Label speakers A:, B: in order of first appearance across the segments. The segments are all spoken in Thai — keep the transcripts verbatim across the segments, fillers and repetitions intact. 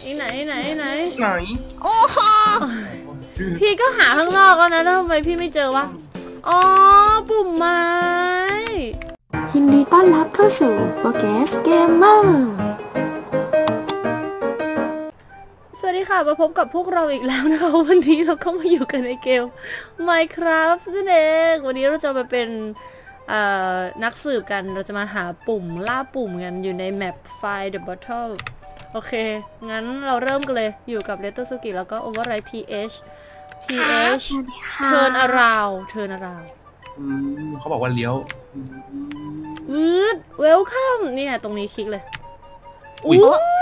A: ไหนไหนไหน
B: ไหน
C: โอ้โห
A: พี่ก็หาข้างนอกแล้วนะแล้วทำไมพี่ไม่เจอวะอ๋อปุ่มไม้
D: ยินดีต้อนรับเข้าสู่โปรแกรสเกมเมอร์
A: สวัสดีค่ะมาพบกับพวกเราอีกแล้วนะคะวันนี้เราก็มาอยู่กันในเกม Minecraft นั่นเองวันนี้เราจะมาเป็นนักสืบกันเราจะมาหาปุ่มล่าปุ่มกันอยู่ในแมป Find the Bottle โอเคงั้นเราเริ่มกันเลยอยู่กับ Retsuki แล้วก็ Override พี เอช พี เอช Turn around Turn around
B: อืมเขาบอกว่าเลี้ยว
A: อืด Welcome นี่ไงตรงนี้คลิกเลยอุ๊ย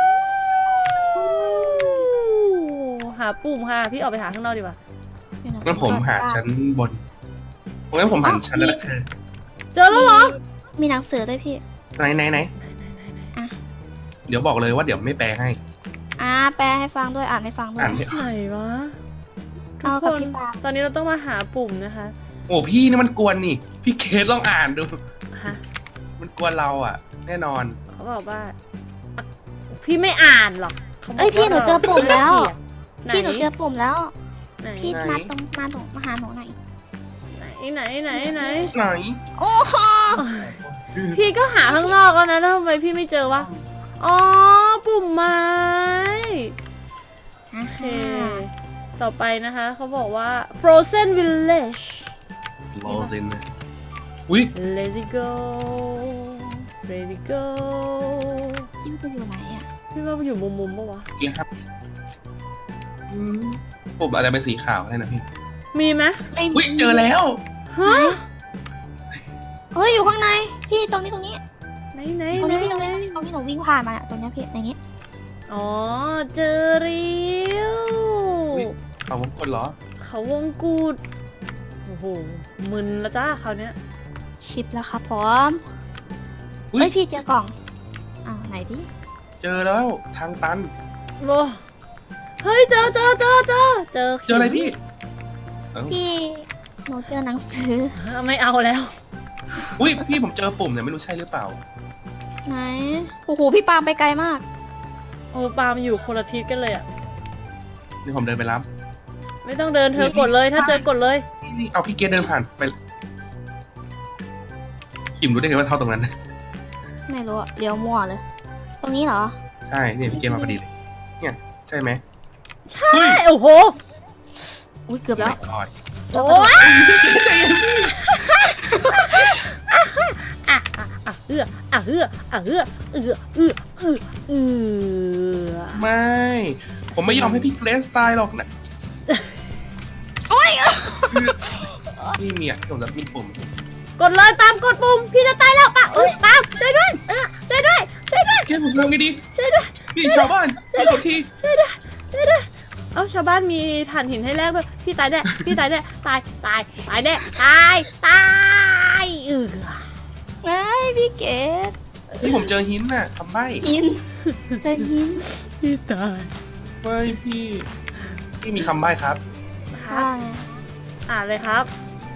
A: หาปุ่มค่ะพี่ออกไปหาข้างนอกดีกว่า
B: งั้นผมหาชั้นบนงั้นผมหันชั้นแล้วค่ะ
A: เจอแล้วเหรอ
C: มีหนังสือด้วยพี่
B: ไหนไหนไหนเดี๋ยวบอกเลยว่าเดี๋ยวไม่แปลให้
C: อ่าแปลให้ฟังด้วยอ่านให้ฟังด้วย
A: อ่านไหนวะทุกคนตอนนี้เราต้องมาหาปุ่มนะคะ
B: โอ้พี่นี่มันกวนนี่พี่เคสลองอ่านดูมันกวนเราอ่ะแน่นอน
A: เขาบอกว่าพี่ไม่อ่านหรอก
C: เอ้ยพี่หนูเจอปุ่มแล้วพี่หนูเจอปุ่มแล้วพี่มาตรงมาตรงมาหาหนูหน่อย
A: ไหนไหนไหน
B: ไหน
C: โอ้โห
A: พี่ก็หาข้างนอกแล้วนะแล้วทำไมพี่ไม่เจอวะอ๋อปุ่มไม้โอเคต่อไปนะคะเขาบอกว่า Frozen Village
B: Frozen อุ้ย
A: Let's go Ready go
C: พี่มันอยู่ไหนอ่ะ
A: พี่ว่ามันอยู่มุมมุมปะวะ
B: เกี่ยครับปุ่มอาจจะเป็นสีขาวได้นะพี่
A: มีไหม
B: อุ้ยเจอแล้ว
A: ฮะ
C: เฮ้ยอยู่ข้างในพี่ตรงนี้ตรงนี้
A: ไหนไหน
C: ตรงนี้พี่ตรงนี้ตรงนี้หนูวิ่งผ่านมาตรงนี้พี่ในนี้
A: อ๋อเจอเรียว
B: เขาวงกดเหรอ
A: เขาวงกูดโอ้โหมึนละจ้าคราวเนี้ย
C: ชิปแล้วครับพร้อมเฮ้ยพี่เจอกล่องอ้าวไหนพี่
B: เจอแล้วทางตัน
A: โลเฮ้ยเจอเจอเจอเจอเจอ
B: เจออะไรพี่
C: พี่หนูเจอหนังสือ
A: ไม่เอาแล้ว
B: อุ้ยพี่ผมเจอปุ่มแต่ไม่รู้ใช่หรือเปล่า
C: ไหนโอ้โหพี่ปาล์มไปไกลมาก
A: โอ้ปาล์มอยู่คนละทิศกันเลยอ่ะ
B: นี่ผมเดินไปรับ
A: ไม่ต้องเดินเธอกดเลยถ้าเจอกดเลย
B: นี่เอาพี่เกดเดินผ่านไปขิมรู้ได้ไงว่าเท่าตรงนั้น
C: ไม่รู้อะเลี้ยวมั่วเลยตรงนี้เหรอ
B: ใช่เนี่ยพี่เกดมาพอดีเลยเนี่ยใช่ไหม
A: ใช่โอ้โห
C: อุ้ยเกือบแล้ว
A: โอ้ยอ่ะอ่ะเอื้ออ่ะเอื้ออ่ะเอื้อเอื้อเอื้อเอื้อเอื้อ
B: ไม่ผมไม่ยอมให้พี่เกรสตายหรอกนะ
C: โอ้ย
B: นี่เมียผมจะมีปุ่ม
A: กดเลยตามกดปุ่มพี่จะตายแล้วปะเออตามช่วยด้วยเออช่วยด้วยช่วยด้วย
B: เกรสผมทำไงดี
A: ช่วยด้วย
B: พี่ชาวบ้านช่วยผมที
A: ช่วยด้วยช่วยด้วยเอ้าชาวบ้านมีถ่านหินให้แลกด้วยพี่ตายแน่พี่ตายแน่ตายตายตายแน่ตายตายเออ
C: ไงพี่เกด
B: นี่ผมเจอหินน่ะทำไม
C: หินเจอหิน
A: พี่ตาย
B: ไม่พี่พี่มีคำใบ้ครับ
C: ค่ะ
A: อ่านเลยครับ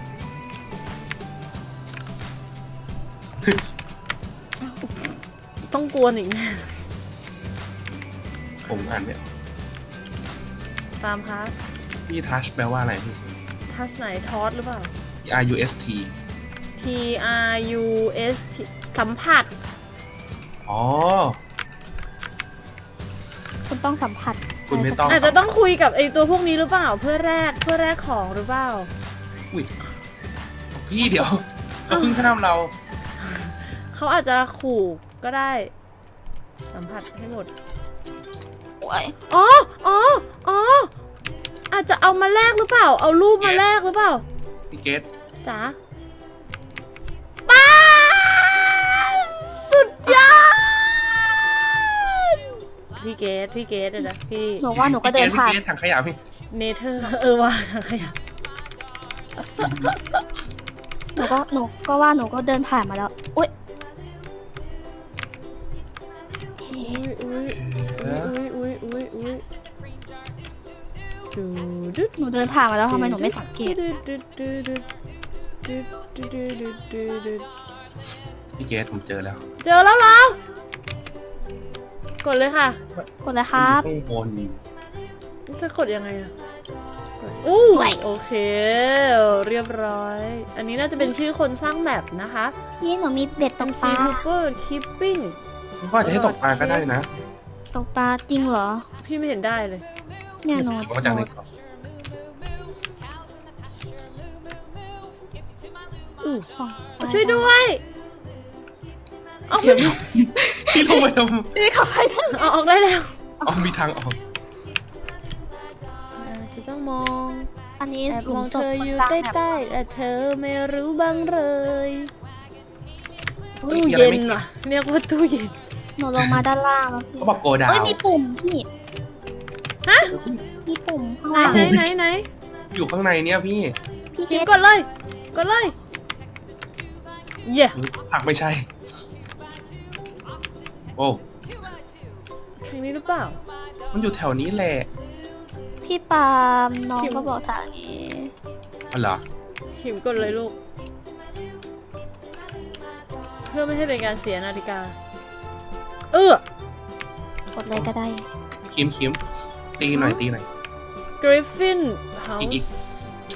A: ต้องกวนอีกแน่
B: ผมอ่านเนี่ย
A: ตามครับ
B: พี่ทัชแปลว่าอะไรพี่
A: ทัชไหนทอสหรือเปล่า
B: T R U S T
A: T R U S T สัมผัส
B: อ๋อ
C: คุณต้องสัมผัส
B: คุณไม่ต้อง
A: อาจจะต้องคุยกับไอตัวพวกนี้หรือเปล่าเพื่อแลกเพื่อแลกของหรือเปล่า
B: อุ้ยพี่เดี๋ยวเขาเพิ่งข้ามเรา
A: เขาอาจจะขู่ก็ได้สัมผัสให้หมดอ๋ออ๋ออ๋ออาจจะเอามาแลกหรือเปล่าเอารูปมาแลกหรือเปล่า
B: พี่เกด
A: จ๋าป้าสุดยอดพี่เกดพี่เกดเลยนะพี่
C: หนูว่าหนูก็เดินผ่าน
B: ถังขยะพี่
A: เนเธอร์เออว่าถังขยะ
C: หนูก็หนูก็ว่าหนูก็เดินผ่านมาแล้วอุ้ย
A: อุ้ยอุ้ยอุ้ยอุ้ยอุ้ย
C: หนูเดินผ่านมาแล้วทำไมหนูไม่สังเกต
B: พี่เกดผมเจอแล้ว
A: เจอแล้วเหรอกดเลยค่ะ
C: กดเลยครับ
B: ข้างบน
A: จะกดยังไงอะอู้โอเคเรียบร้อย อันนี้น่าจะเป็นชื่อคนสร้างแมปนะคะ
C: พี่หนูมีเบ็ดตกปลา
A: Super Keeping
B: นี่ก็อาจจะให้ตกปลาก็ได้นะ
C: ตกปลาจริงเหรอ
A: พี่ไม่เห็นได้เลย
C: เนี่ยหนู
B: คิดว่าจากไหนครับ
A: อู้
C: ส่องไป
A: ช่วยด้วยเอา
B: เดี๋ยวพี่ลงไปท
C: พี่เข้าไปได้
A: เอาออกได้แล้ว
B: ำอ๋อมีทางออก
A: จะต้องมอง
C: อันนี้
A: แอบ
C: หลุ
A: ม
C: ม
A: อง
C: ศ
A: เธ
C: พ
A: อ
C: คน
A: อยู่
C: สร้าง
A: ใ
C: แบบ
A: ต้ๆแต่เธอไม่รู้บ้างเลย
B: เฮ้ย
A: ตู้
B: มีอะไร
A: เย็น
B: ไม่
A: ว่ะเรียกว่าตู้เย็น
C: หนูลงมาด้านล่างแล้วพี่
B: เขาบอกโกดาว
C: เอ้ยมีปุ่มพี่
A: ฮะ
C: มีปุ่มข้าง
A: ไหน
C: ล่าง
A: ไหนไหนไหน
B: อยู่ข้างในเนี่ยพี่
C: พี่เก
A: พิม
C: ด
A: พ์กดเลยกดเลยเย่
B: ผักไม่ใช่ โอ้
A: ทางนี้หรือเปล่า
B: มันอยู่แถวนี้แหละ
C: พี่ปาล์มน้อง
A: พิมพ์
C: ก็บอกทางนี้
B: อ๋อเหรอ
A: พิมพ์กดเลยลูก เพื่อไม่ให้เป็นการเสียนาฬิกา เออก
C: ดเลยก็ได้
B: คิมคิมตีหน่อยตีหน่อย
A: Griffin
B: อีกอีก
A: House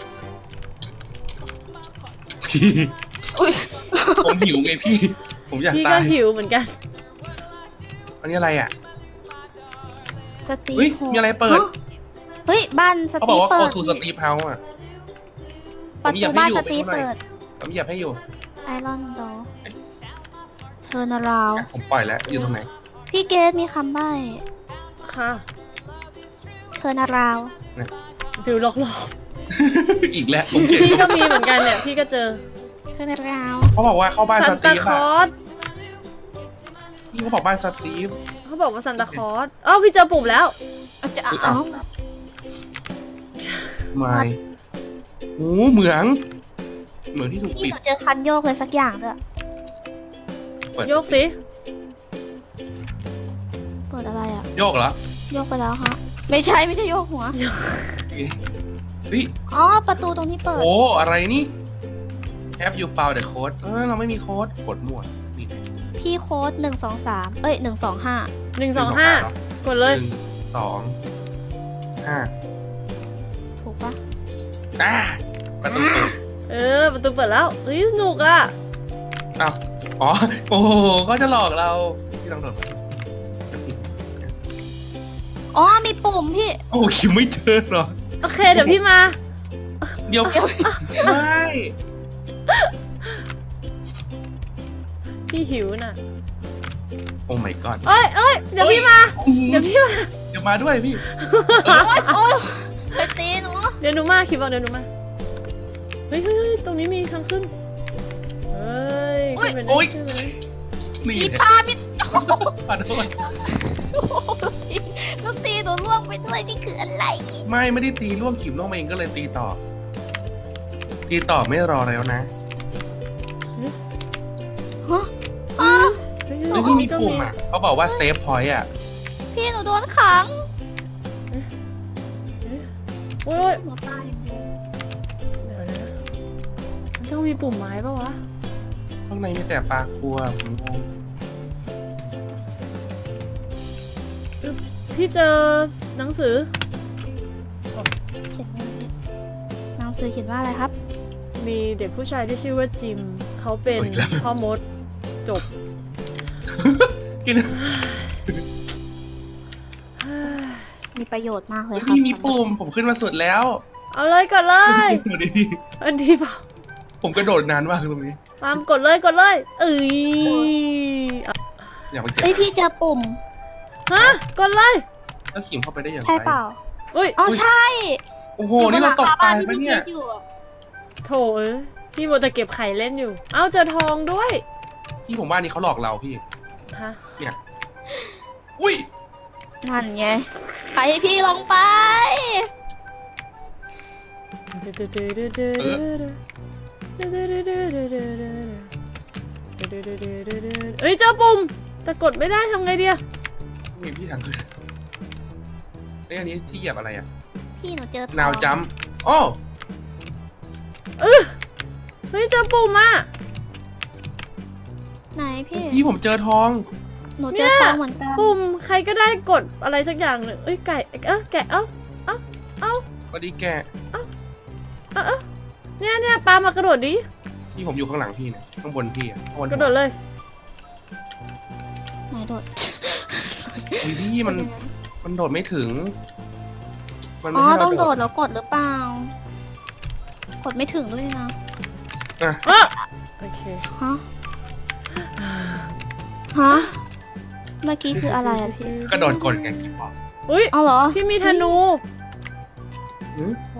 B: พี่
C: อุ้ย
B: ผมหิวไงพี่ ผมอยาก
A: พี่
B: ตา
A: ก็
B: ย
A: หิวเหมือนกัน
B: อันนี้อะไรอ่ะ
C: สตี
B: เฮ้ย
C: โฮ
B: มีอะไรเปิด
C: เฮ้ยบ้านส
B: เขาบ
C: ตี
B: อกว่า
C: เปิ
B: โค
C: ด
B: ทูสตีฟเฮาส์อ่ะ
C: ประ
B: ผมอยา
C: ตู
B: กให้
C: บ้าน
B: อยู่
C: สตี
B: ไปดูหน่อย
C: เปิด
B: ผมอยากให้อยู่
C: ไอรอนดอเทอร์นาราว
B: อ่ะผมปล่อยแล้วอยู่ตรงไหน
C: พี่เกดมีคำใบ้
A: ค่ะ
C: เทอร์นาราว
A: ดูหลอก
B: อีกแล้วผมเก่
A: ๆ
B: ง
A: พี่ก็มีเหมือนกันเนี่ย พี่ก็เจอ
C: เทอร์นาราว
B: เขาบอกว่าเข้าบ้าน
A: ซั
B: ส
A: น
B: ตี
A: ตา
B: ฟ
A: คล
B: อ่ะ
A: อส
B: พี่เขาบอกบ้านสตีฟ
A: เขาบอกว่าซันตาคลอสอ้าวพี่เจอปุ่มแล้ว
C: อาจจะ
B: อุ๊ย
C: เอา
B: อ้าว ไม่โอ้เหมือง เหมืองที่ถูก
C: พี่
B: ปิ
C: ห
B: ด
C: นูเจอคันโยกเลยสักอย่างด้วย
B: เปิด
A: โยกสิ
C: เปิดอะไรอ่ะ
B: โยกเหรอ
C: โยกไปแล้วฮะไม่ใช่ไม่ใช่โยกหัว
B: เฮ้ย
C: อ๋อประตูตรงนี้เปิด
B: โอ้อะไรนี่ Have you found the code เออเราไม่มีโค้ดกดมั่วนี่ไง
C: พี่โค้ดหนึ่งสองสามเอ้ยหนึ่งสองห้า
A: หนึ่งสองห้า กดเลย
B: หนึ่งสองห้า
C: ถูกปะ
B: อ่าประตูเปิด
A: เออ ประตูเปิดแล้ว เฮ้ยสนุกอ่ะ
B: อ้าวอ๋อ โอ้โหก็จะหลอกเราที่ต้องโดด
C: อ๋อมีปุ่มพี่
B: โอ้คิวไม่เจอเหรอ
A: โอเค เดี๋ยวพี่มา
B: เดี๋ยวไม่
A: พี่หิวน่ะ
B: โอ้ my god
A: เอ้ยเอ้ยเดี๋ยวพี่มา เดี๋ยวพี่มา
B: เดี๋ยวมาด้วยพี่
C: โอ๊ยโอ๊ยไปตีหนู
A: เดี๋ยวหนูมาคิดว่าเดี๋ยวหนูมา เฮ้ยเฮ้ยเฮ้ยตรงนี้มีทางขึ้น เฮ้ยขึ้นไปเลยขึ้นไปเลย
B: นี่
C: มี
B: เลย
C: ปลามี
B: มาด้วย
C: ลูกตีหนูล่วงไปด้วยนี่คืออะไร
B: ไม่ไม่ได้ตีร่วงขิมร่วงมาเองก็เลยตีต่อ ตีต่อไม่รอแล้วนะ
C: ฮะอ๋อ
A: เฮ้ย
B: เฮ้ย
A: ตร
B: ที่
A: ง
B: มี
A: นี้ก็
B: ปุ่
A: มี
B: มอ่ะเขาบอกว่าเซฟพอยต์อ่ะ
C: พี่หนูโดนขัง
A: โอ้ย
C: หนูตาย
A: เดี๋ยวนะมันต้องมีปุ่มไม้ปะวะ
B: ข้างในมีแต่ปลาคัวผมงง
A: พี่เจอหนังสือ
C: เขียนว่าอะไรหนังสือเขียนว่าอะไรครับ
A: มีเด็กผู้ชายที่ชื่อว่าจิม เขาเป็นพ่อมด จบ
B: กิน
C: มีประโยชน์มากเลยครับ
B: พี่มีปุ่มผมขึ้นมาสุดแล้ว
A: เอาเลยกดเลย
B: ดูดิ
A: อันนี้เปล่า
B: ผมกระโดดนานมากตรงนี้
A: ตามกดเลยกดเลยเอ้ย
B: อยากไปเก็บ
C: เอ้ยพี่เจอปุ่ม
A: ฮะกดเลย
B: แล้วขิมเข้าไปได้อย่างไร
C: ใช่เปล่า
A: อุ้ย
C: อ๋อใช่
B: โอ้โหนี่เราตกตายปะเนี่ย
C: อยู่
A: โถเอ้ยพี่โมวแต่เก็บไข่เล่นอยู่ เอ้าเจอทองด้วย
B: พี่ผมว่านี่เขาหลอกเราพี่
A: ฮะ
B: เนี่ยอุ้ย
C: นั่นไงไปให้พี่ลงไป
A: เอ้ยเจอปุ่มแต่กดไม่ได้ทำไงเดีย
B: มีพี่ทางขึ้นเอ้ยอันนี้ที่เหยียบอะไรอ่ะ
C: พี่หนูเจอทอง
B: นาวจัมโอ้
A: เออเฮ้ยเจอปุ่มอ่ะ
C: ไหนพี่
B: พี่ผมเจอทอง
C: หนูเจอทองเหมือนกัน
A: ปุ่มใครก็ได้กดอะไรสักอย่างหนึ่งเอ้ยไก่เออแกะเอ้าเอ้าเอ้า
B: พอดีแกะ
A: เอ้าเอ้าเนี่ยเนี่ยปลามากระโดดดิ
B: พี่ผมอยู่ข้างหลังพี่เนี่ยข้างบนพี่อะ
A: กระโดดเลย
C: ไหนโดด
B: อุ้ยพี่มันมันโดดไม่ถึง
C: อ๋อต้องโดดแล้วกดหรือเปล่า กดไม่ถึงด้วยนะ
A: อ่ะโอเค
C: ฮะฮะเมื่อกี้คืออะไรอะพี่
B: กระโดดกดไงพี่บอก
A: อุ้ย
C: เอาเหรอ
A: พี่มีธนู
C: ไหว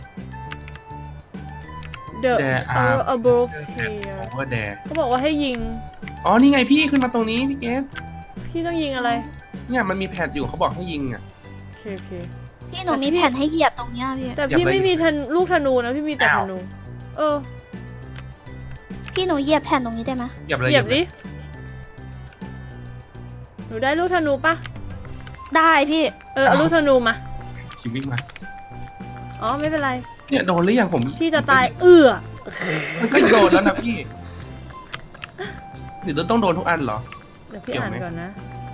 A: The arrow above here
B: ว่าแด
A: เขาบอกว่าให้ยิง
B: อ๋อนี่ไงพี่ขึ้นมาตรงนี้พี่เกส
A: พี่ต้องยิงอะไร
B: เนี่ยมันมีแผ่นอยู่เขาบอกให้ยิงอ่ะ
A: โอเคโอเค
C: พี่หนูมีแผ่นให้เหยียบตรงเนี้ยพี่
A: แต่พี่ไม่มีทันลูกธนูนะพี่มีแต่ธนูเออ
C: พี่หนูเหยียบแผ่นตรงนี้ได้ไหม
B: เหยียบเลย
A: เหยียบดิหนูได้ลูกธนูปะ
C: ได้พี่
A: เออเอาลูกธนูมา
B: คิววิ่งมา
A: อ๋อไม่เป็นไร
B: เนี่ยโดนหรือยังผม
A: พี่จะตายเอื้อ
B: มันก็โดนแล้วนะพี่หรือต้องโดนทุกอันเหรอ
A: เดี๋ยวพี่อ่านก่อนนะ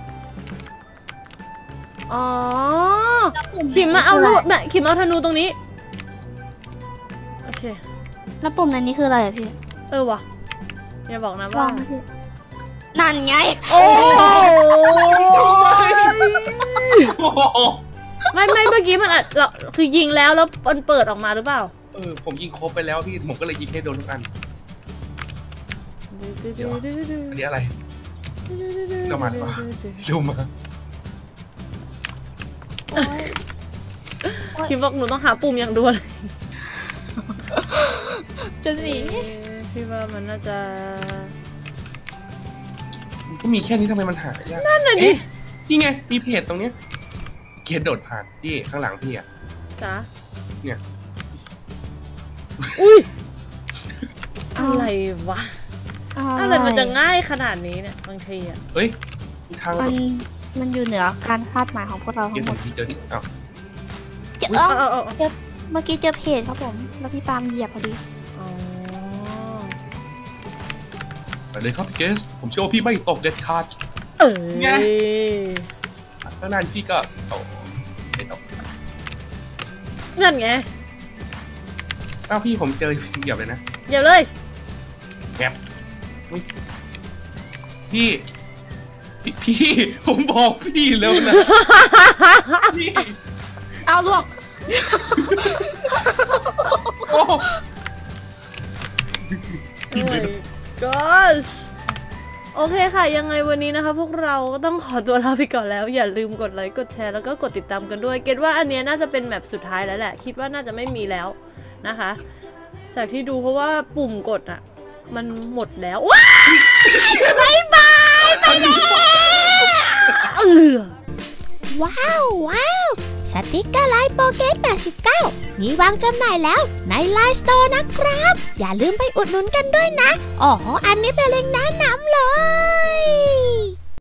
A: อ๋อขิมมาเอาลูกแบบขิมเอาธนูตรงนี้โอเค
C: แล้วปุ่มนั้นนี่คืออะไรอะพี่
A: เออวะอย่าบอกนะว่า
C: นั่นไง
A: โอ้ไม่ไม่เมื่อกี้มันอ่ะเราคือยิงแล้วแล้วมันเปิดออกมาหรือเปล่า
B: เออผมยิงครบไปแล้วพี่ผมก็เลยยิงให้โดนทุกอันเดี๋ยวอันนี้อะไรก็มาป่ะดูมา
A: คิดว่าหนูต้องหาปุ่มอย่างด่วน
C: จะหนี
A: พี่ว่ามันน่าจะ
B: ก็มีแค่นี้ทำไมมันหายาก
A: นั่นน่ะดิ
B: นี่ไงมีเพจตรงเนี้ยเกียร์โดดผ่านพี่ข้างหลังพี่อ่ะ
A: จ้า
B: เนี่ย
A: อุ้ยอะไรวะอะไรมันจะง่ายขนาดนี้เนี่ยบางทีอ่ะ
B: เฮ้ยทาง
C: มันมันอยู่เหนือการคาดหมายของพวกเราทั้งหมด
B: เจอที่อ้าว
C: เจอเจอเมื่อกี้เจอเพจครับผมแล้วพี่ปาล์มเหยียบพอดี
B: ไปเลยครับพี่เกสผมเชื่อว่าพี่ไม่ตกเด็ดขาด
A: เออไง
B: ตั้งนานพี่ก็ตกไม่ตก
A: นั่นไง
B: อ้าวพี่ผมเจอเหยียบเลยนะ
A: เหยียบเลย
B: แอบพี่พี่ผมบอกพี่แล้วนะพี่
C: เอาล่วง
A: โอ้ my gosh โอเคค่ะยังไงวันนี้นะคะพวกเราก็ต้องขอตัวลาไปก่อนแล้วอย่าลืมกดไลค์กดแชร์แล้วก็กดติดตามกันด้วยเกรดว่าอันนี้น่าจะเป็นแมปสุดท้ายแล้วแหละคิดว่าน่าจะไม่มีแล้วนะคะจากที่ดูเพราะว่าปุ่มกดอ่ะมันหมดแล้วว้าวบายบายไปแล้วเออ
E: ว้าวว้าวสติ๊กเกอร์ไลน์โปเกตแปดสิบเก้ามีวางจำหน่ายแล้วในไลน์สโตร์นะครับอย่าลืมไปอุดหนุนกันด้วยนะอ๋ออันนี้เป็นเล็งก์แนะนำเลย